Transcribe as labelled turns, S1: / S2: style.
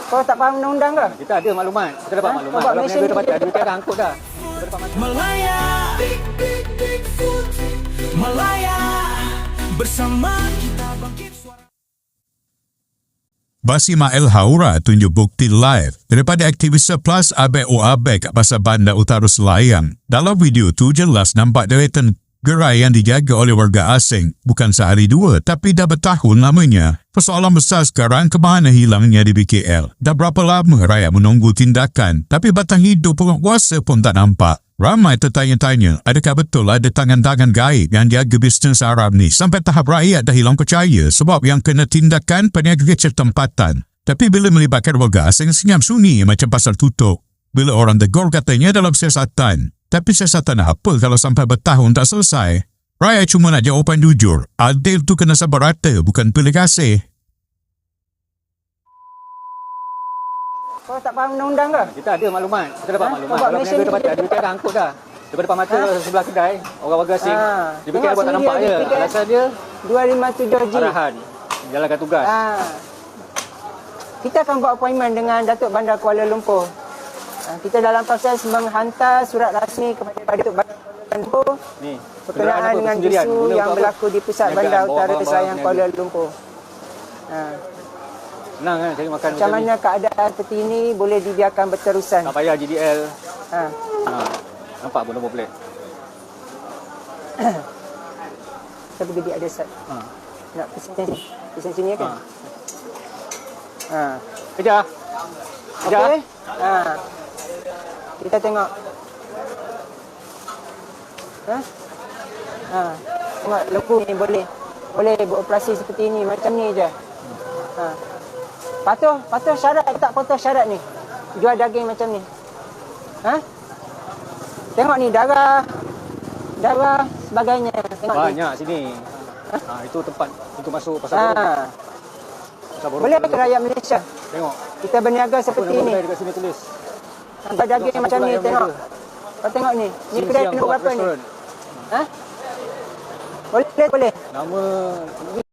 S1: Kau tak faham undang-undang ke?
S2: Kita ada maklumat. Kita dapat maklumat.
S1: Kau buat
S2: Kalau
S1: mesin
S2: peniaga tempatan,
S1: ni.
S2: kita dah angkut dah. Kita dapat maklumat.
S3: Malaya, Malaya, bersama kita bangkit suara.
S4: Basima El Haura tunjuk bukti live daripada aktivis Plus Abek Abek pasal Bandar Utara Selayang. Dalam video tu jelas nampak deretan gerai yang dijaga oleh warga asing. Bukan sehari dua, tapi dah bertahun lamanya. Persoalan besar sekarang ke mana hilangnya di BKL. Dah berapa lama rakyat menunggu tindakan, tapi batang hidup penguasa pun tak nampak. Ramai tertanya-tanya, adakah betul ada tangan-tangan gaib yang jaga bisnes Arab ni sampai tahap rakyat dah hilang percaya sebab yang kena tindakan peniaga kecil tempatan. Tapi bila melibatkan warga asing, senyap sunyi macam pasal tutup. Bila orang tegur katanya dalam siasatan. Tapi siasatan apa kalau sampai bertahun tak selesai? Rakyat cuma nak jawapan jujur. Adil tu kena sabar rata, bukan pilih kasih.
S1: Kau tak faham undang-undang ke?
S2: Kita ada maklumat. Kita dapat maklumat.
S1: Kau buat
S2: Kalau
S1: mesin
S2: peniaga
S1: ni.
S2: tempatan, kita dah angkut dah. Daripada depan mata sebelah kedai, orang warga asing. Dia fikir
S1: Tengok
S2: buat tak
S1: sini
S2: nampak
S1: dia
S2: je.
S1: ada tiket.
S2: Alasan dia
S1: 257G.
S2: arahan. Jalankan tugas.
S1: Kita akan buat appointment dengan Datuk Bandar Kuala Lumpur. Kita dalam proses menghantar surat rasmi kepada Datuk Bandar Kuala Lumpur
S2: Ni.
S1: berkenaan dengan isu yang berlaku di pusat Bandar Utara Selayang Kuala Lumpur.
S2: Senang kan cari makan
S1: Macam mana keadaan seperti ini boleh dibiarkan berterusan.
S2: tak payah GDL.
S1: Ha.
S2: Nampak pun nombor plate.
S1: Saya pergi di ada set. Nak pesen sini kan?
S2: Kejar. Kejar.
S1: Okey. Kita tengok. Tengok lembu ni boleh beroperasi seperti ini macam ni je. Patuh syarat tak patuh syarat ni? Jual daging macam ni. Tengok ni darah sebagainya. Tengok
S2: Banyak sini. Itu tempat untuk masuk pasar burung. Pasar burung.
S1: Boleh ke rakyat Malaysia?
S2: Tengok.
S1: Kita berniaga seperti ini.
S2: Dekat sini tulis.
S1: Nampak daging
S2: Tengok
S1: macam ni,
S2: yang
S1: tengok.
S2: berniaga.
S1: Kau tengok ni. Ni
S2: Sini
S1: kedai
S2: siang
S1: penuh
S2: buat
S1: berapa ni?
S2: restoran.
S1: Boleh.
S2: Nama